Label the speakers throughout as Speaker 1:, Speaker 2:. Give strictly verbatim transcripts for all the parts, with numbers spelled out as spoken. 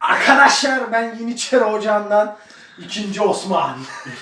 Speaker 1: Arkadaşlar ben Yeniçeri Ocağı'ndan ikinci Osman.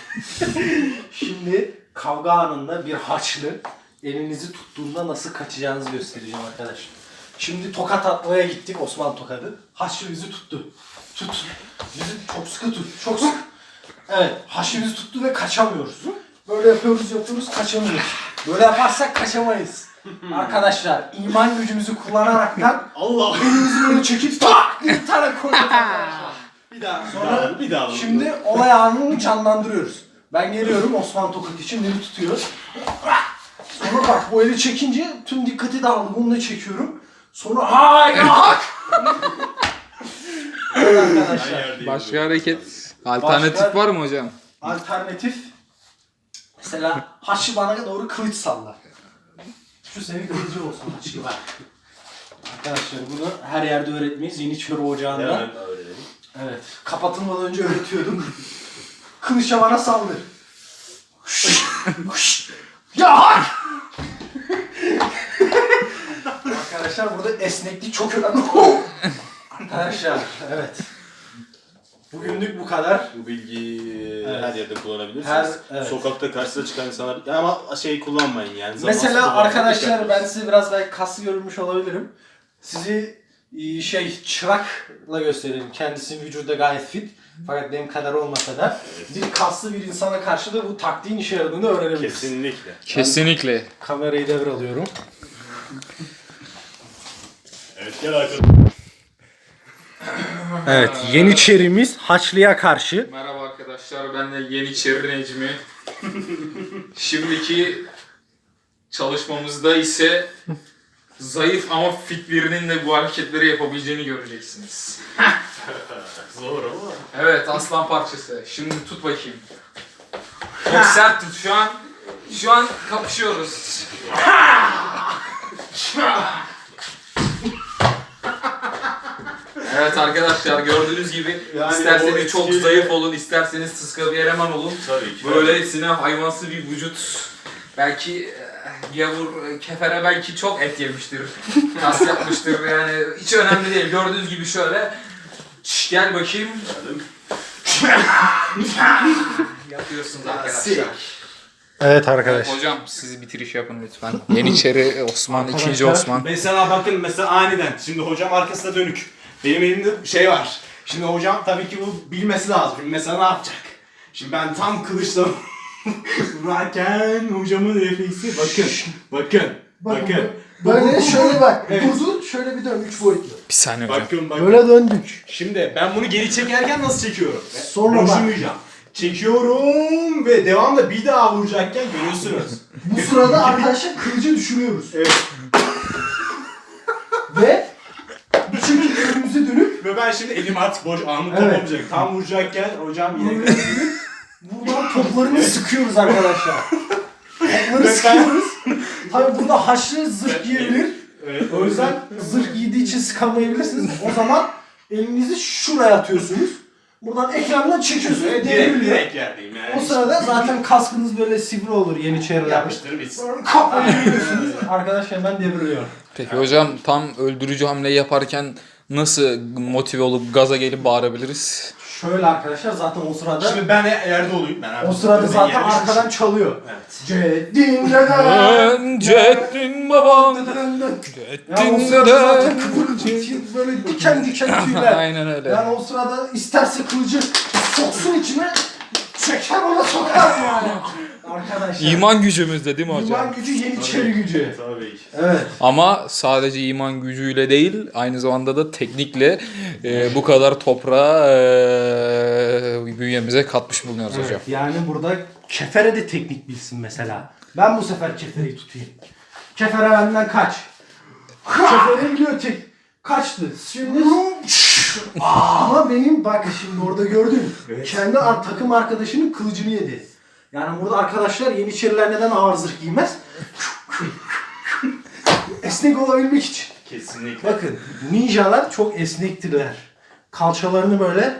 Speaker 1: Şimdi kavga anında bir haçlı elinizi tuttuğunda nasıl kaçacağınızı göstereceğim arkadaşlar. Şimdi tokat atmaya gittik, Osman tokadı. Haçlı bizi tuttu. Tut. Bizi çok sıkı tut. Çok sıkı. Evet. Haçlı bizi tuttu ve kaçamıyoruz. Böyle yapıyoruz yapıyoruz kaçamıyoruz. Böyle yaparsak kaçamayız. Arkadaşlar iman gücümüzü kullanaraktan
Speaker 2: Allah
Speaker 1: elimizi böyle çekip tak bir tane koyuyoruz arkadaşlar.
Speaker 2: bir daha
Speaker 1: Sonra
Speaker 2: bir daha
Speaker 1: şimdi olay anını canlandırıyoruz. Ben geliyorum, Osman tokat için beni tutuyor. Sonra bak bu eli çekince tüm dikkati dağıldı. Bunu da çekiyorum. Sonra hay hak. Evet arkadaşlar.
Speaker 3: Başka hareket, alternatif
Speaker 1: Başka-
Speaker 3: var mı hocam?
Speaker 1: Alternatif. Mesela Haçlı bana doğru kılıç sallar. Şu senin kılıcı olsun Haçlı bak. Arkadaşlar bunu her yerde öğretmeyiz. Yeniçeri Ocağı'nda.
Speaker 2: Hemen öğrenelim.
Speaker 1: Evet. Kapatılmadan önce öğretiyordum. Kılıçla bana saldır. Ya! Arkadaşlar burada esneklik çok önemli. Arkadaşlar evet. Bugünlük bu kadar.
Speaker 2: Bu bilgiyi
Speaker 1: Evet.
Speaker 2: her yerde kullanabilirsiniz.
Speaker 1: Her- evet.
Speaker 2: Sokakta karşısına çıkan insanlar ama şey kullanmayın yani. Zamansız
Speaker 1: Mesela
Speaker 2: kullanmayın.
Speaker 1: arkadaşlar ben size biraz belki kaslı görünmüş olabilirim. Sizi e, şey çırakla göstereyim. Kendisi vücuda gayet fit. Fakat benim kadar olmasa da bir kaslı bir insana karşı da bu taktiğin işe yaradığını öğrenebiliriz.
Speaker 2: Kesinlikle.
Speaker 3: Kesinlikle.
Speaker 1: Kamerayı devralıyorum.
Speaker 2: Evet gel arkadaşlar.
Speaker 1: Evet, Yeniçerimiz Haçlı'ya karşı.
Speaker 3: Merhaba arkadaşlar, ben de Yeniçeri Necmi. Şimdiki çalışmamızda ise zayıf ama fit birinin de bu hareketleri yapabileceğini göreceksiniz.
Speaker 2: Zor ama.
Speaker 3: Evet, aslan parçası. Şimdi tut bakayım. Çok sert tut şu an. Şu an kapışıyoruz. Evet arkadaşlar, gördüğünüz gibi
Speaker 2: Yani o
Speaker 3: isterseniz çok
Speaker 2: etki-
Speaker 3: zayıf olun, isterseniz sıska bir eleman olun.
Speaker 2: Tabii ki.
Speaker 3: Böylesine hayvansı bir vücut. Belki eh, gavur, kefere belki çok et yemiştir, kas yapmıştır yani hiç önemli değil. Gördüğünüz gibi şöyle, Şş, gel bakayım. Yapıyorsunuz arkadaşlar.
Speaker 1: Evet arkadaş.
Speaker 3: Hocam siz bitiriş yapın lütfen. Yeniçeri Osman, ikinci Osman.
Speaker 2: Mesela bakın mesela aniden. Şimdi hocam arkasına dönük. Benim elimde şey var. Şimdi hocam tabii ki bu bilmesi lazım. Şimdi mesela ne yapacak? Şimdi ben tam kılıçla vurarken hocamın refleksi bakın. Bakın. Bakın.
Speaker 1: Böyle şöyle bak.
Speaker 2: Evet.
Speaker 1: Durdu, şöyle bir dön. Üç boyutlu.
Speaker 3: Bir saniye hocam.
Speaker 2: Bakın bakın.
Speaker 1: Böyle döndük.
Speaker 2: Şimdi ben bunu geri çekerken nasıl çekiyorum?
Speaker 1: Sonra bak.
Speaker 2: Boşumayacağım. Çekiyorum ve devamlı bir daha vuracakken görüyorsunuz.
Speaker 1: Bu sırada arkadaşlar kılıcı düşürüyoruz.
Speaker 2: Evet.
Speaker 1: Ve bu şekilde önümüze dönüp
Speaker 2: Ve ben şimdi elim artık boş anlık
Speaker 1: Evet.
Speaker 2: toplamayacak. Tam vuracakken hocam yine
Speaker 1: buraya dönüp buradan toplarını sıkıyoruz arkadaşlar. Topları
Speaker 2: Ben-
Speaker 1: sıkıyoruz. Tabii burada haşlı zırh giyebilir.
Speaker 2: Evet.
Speaker 1: O yüzden zırh giydiği için sıkamayabilirsiniz. O zaman elinizi şuraya atıyorsunuz. Buradan ekrandan çekiyorsunuz.
Speaker 2: direkt,
Speaker 1: Devriliyor.
Speaker 2: direkt yerdeyim yani.
Speaker 1: O sırada zaten kaskınız böyle sivri olur Yeniçeriler.
Speaker 2: Yapıştır bitsin.
Speaker 1: Sonra kafayı görüyorsunuz. Arkadaş hemen devriliyor.
Speaker 3: Peki hocam tam öldürücü hamleyi yaparken nasıl motive olup gaza gelip bağırabiliriz?
Speaker 1: Şöyle arkadaşlar zaten o sırada
Speaker 2: Şimdi ben yerde olayım. Ben
Speaker 1: o sırada zaten arkadan çalıyor.
Speaker 2: Evet.
Speaker 1: Ceddin deden.
Speaker 3: Ceddin babam.
Speaker 1: Ya o
Speaker 3: Ceddin
Speaker 1: sırada zaten
Speaker 3: deden.
Speaker 1: kıvırcık böyle diken diken tüyler.
Speaker 3: Aynen öyle.
Speaker 1: Yani o sırada isterse kılıcı soksun içine, çeker ona sokar yani. Arkadaşlar.
Speaker 3: İman gücümüzde değil mi hocam?
Speaker 1: İman gücü Yeniçeri gücü.
Speaker 2: Tabii ki.
Speaker 1: Evet.
Speaker 3: Ama sadece iman gücüyle değil, aynı zamanda da teknikle e, bu kadar toprağı e, bünyemize katmış bulunuyoruz hocam.
Speaker 1: Evet, yani burada kefere de teknik bilsin mesela. Ben bu sefer kefereyi tutayım. Kefere benden kaç. Kefere biliyor tek. Kaçtı. Şimdi ama benim bak şimdi orada gördün.
Speaker 2: Evet.
Speaker 1: Kendi ar- takım arkadaşının kılıcını yedi. Yani burada arkadaşlar Yeniçeriler neden ağır zırh giymez? Esnek olabilmek için.
Speaker 2: Kesinlikle.
Speaker 1: Bakın ninjalar çok esnektirler. Kalçalarını böyle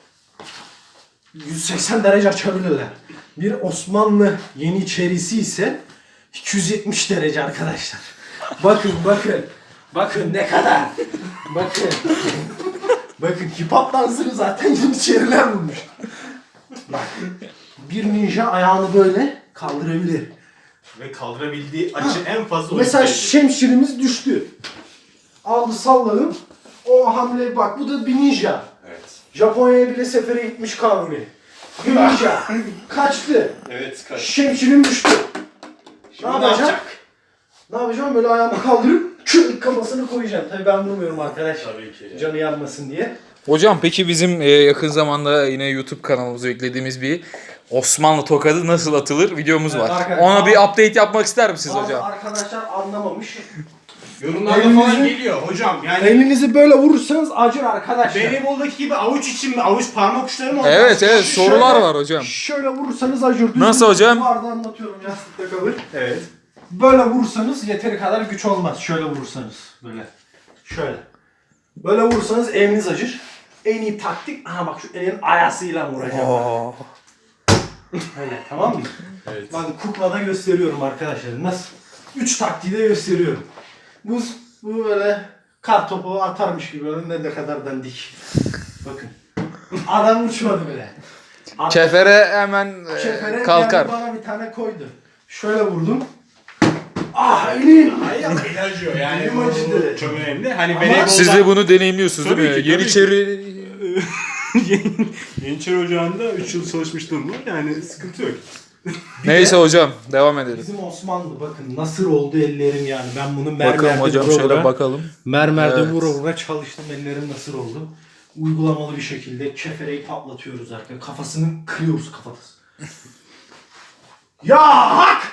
Speaker 1: yüz seksen derece açabilirler. Bir Osmanlı Yeniçerisi ise iki yüz yetmiş derece arkadaşlar. Bakın bakın. Bakın ne kadar. Bakın. Bakın hip hop dansını zaten Yeniçeriler bulmuş. Bak. Bir ninja ayağını böyle kaldırabilir.
Speaker 2: Ve kaldırabildiği açı en fazla
Speaker 1: Mesela
Speaker 2: oyuncu
Speaker 1: şemşirimiz düştü. Aldı salladım. O hamle bak bu da bir ninja.
Speaker 2: Evet.
Speaker 1: Japonya'ya bile sefere gitmiş Kanuni. Bir ninja. Kaçtı.
Speaker 2: Evet kaç.
Speaker 1: Şemşirim düştü.
Speaker 2: Şimdi
Speaker 1: ne
Speaker 2: ne
Speaker 1: yapacağım?
Speaker 2: yapacak?
Speaker 1: Ne yapacağım? Böyle ayağımı kaldırıp kürk kafasını koyacağım. Tabii ben vurmuyorum arkadaş.
Speaker 2: Tabii ki.
Speaker 1: Canı yanmasın diye.
Speaker 3: Hocam peki bizim e, yakın zamanda yine YouTube kanalımıza eklediğimiz bir Osmanlı tokadı nasıl atılır videomuz
Speaker 1: Evet,
Speaker 3: var.
Speaker 1: arkadaşlar.
Speaker 3: Ona bir update yapmak ister misiniz
Speaker 1: Bazı
Speaker 3: hocam?
Speaker 1: arkadaşlar anlamamış.
Speaker 2: Yorumlarda
Speaker 1: Elinizi-
Speaker 2: falan geliyor hocam yani.
Speaker 1: Elinizi böyle vurursanız acır arkadaşlar.
Speaker 2: Voleyboldaki gibi avuç için mi? Avuç parmak uçları mı?
Speaker 3: Evet evet
Speaker 1: Şöyle-
Speaker 3: sorular var hocam.
Speaker 1: Şöyle vurursanız acır. Düz
Speaker 3: Nasıl hocam?
Speaker 1: Bu arada anlatıyorum yastıkta kalır.
Speaker 2: Evet.
Speaker 1: Böyle vurursanız yeteri kadar güç olmaz. Şöyle vurursanız böyle. Şöyle. Böyle vurursanız eliniz acır. En iyi taktik, aha bak şu elin ayasıyla vuracağım.
Speaker 3: Oo.
Speaker 1: Öyle, tamam mı?
Speaker 2: Evet.
Speaker 1: Bakın kuklada gösteriyorum arkadaşlar. Nasıl? Üç taktiği de gösteriyorum. Bu, bu böyle kar topu atarmış gibi önünde ne kadar dandik. Bakın. Adam uçmadı bile. At-
Speaker 3: Kefere hemen e,
Speaker 1: Şefere
Speaker 3: kalkar.
Speaker 1: geldi bana bir tane koydu. Şöyle vurdum. Ah elim!
Speaker 2: Ay ama el acıyor yani.
Speaker 1: Elim
Speaker 2: bu
Speaker 1: acıdı.
Speaker 2: Çok önemli. Hani
Speaker 1: Ama-
Speaker 2: voleybolda...
Speaker 3: Siz de bunu deneyimliyorsunuz
Speaker 2: Tabii
Speaker 3: değil mi?
Speaker 2: ki, tabii
Speaker 3: Yeniçeri
Speaker 2: Yeniçeri Ocağı'nda üç yıl çalışmışlığım var yani sıkıntı yok.
Speaker 3: Neyse hocam devam edelim.
Speaker 1: Bizim Osmanlı bakın nasır oldu ellerim yani. Ben bunu mermerde
Speaker 3: Bakalım hocam
Speaker 1: vura
Speaker 3: şöyle
Speaker 1: vura,
Speaker 3: bakalım.
Speaker 1: mermerde
Speaker 3: Evet.
Speaker 1: vura vura çalıştım. Ellerim nasır oldu. Uygulamalı bir şekilde kefereyi patlatıyoruz arkadaşlar. Kafasını kırıyoruz kafası. Ya hak!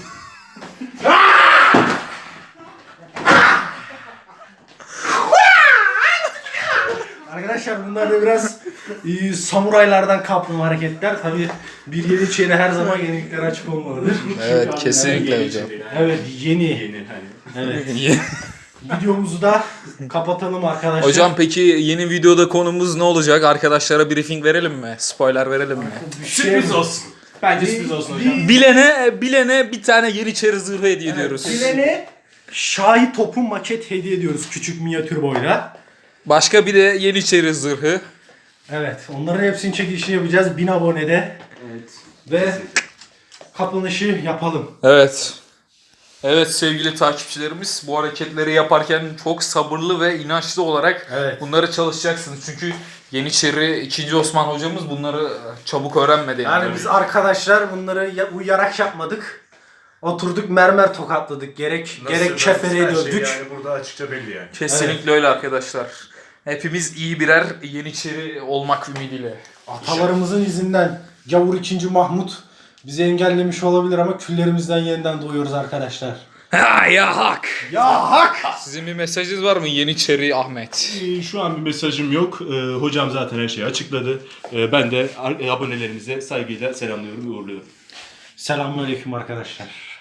Speaker 1: Arkadaşlar bunlar da biraz e, samuraylardan kaplı hareketler. Tabii bir Yeniçeri her zaman yeniliklere açık olmalıdır.
Speaker 3: Evet kesinlikle
Speaker 2: Yeniçeri
Speaker 3: hocam.
Speaker 2: yani.
Speaker 1: Evet yeni.
Speaker 2: Yeni hani.
Speaker 1: Evet. Videomuzu da kapatalım arkadaşlar.
Speaker 3: Hocam peki yeni videoda konumuz ne olacak? Arkadaşlara briefing verelim mi? Spoiler verelim mi?
Speaker 1: Bir şey-
Speaker 2: Sürpriz olsun. Bence
Speaker 1: Bir-
Speaker 2: sürpriz olsun
Speaker 1: bir-
Speaker 2: hocam.
Speaker 3: Bilene bilene bir tane Yeniçeri zırhı hediye ediyoruz.
Speaker 1: Bilene Şahi topu maket hediye ediyoruz küçük minyatür boyla.
Speaker 3: Başka bir de Yeniçeri zırhı.
Speaker 1: Evet, onların hepsinin çekilişini yapacağız bin abonede
Speaker 2: Evet.
Speaker 1: ve kapanışı yapalım.
Speaker 3: Evet. Evet sevgili takipçilerimiz bu hareketleri yaparken çok sabırlı ve inançlı olarak
Speaker 1: Evet.
Speaker 3: bunları çalışacaksınız. Çünkü Yeniçeri ikinci. Osman hocamız bunları çabuk öğrenmedi. Yani,
Speaker 1: Yani biz arkadaşlar bunları ya- uyarak yapmadık. Oturduk mermer tokatladık. Gerek gerek kefereye döndük.
Speaker 2: Yani burada açıkça belli yani.
Speaker 3: Kesinlikle öyle arkadaşlar. Hepimiz iyi birer Yeniçeri olmak ümidiyle.
Speaker 1: Atalarımızın izinden Gavur ikinci. Mahmut bizi engellemiş olabilir ama küllerimizden yeniden doğuyoruz arkadaşlar.
Speaker 3: Ha ya hak.
Speaker 1: Ya hak!
Speaker 3: Sizin bir mesajınız var mı Yeniçeri Ahmet?
Speaker 2: Ee, Şu an bir mesajım yok. Ee, hocam zaten her şeyi açıkladı. Ee, ben de ar- abonelerimize saygıyla selamlıyorum ve uğurluyorum.
Speaker 1: Selamünaleyküm arkadaşlar.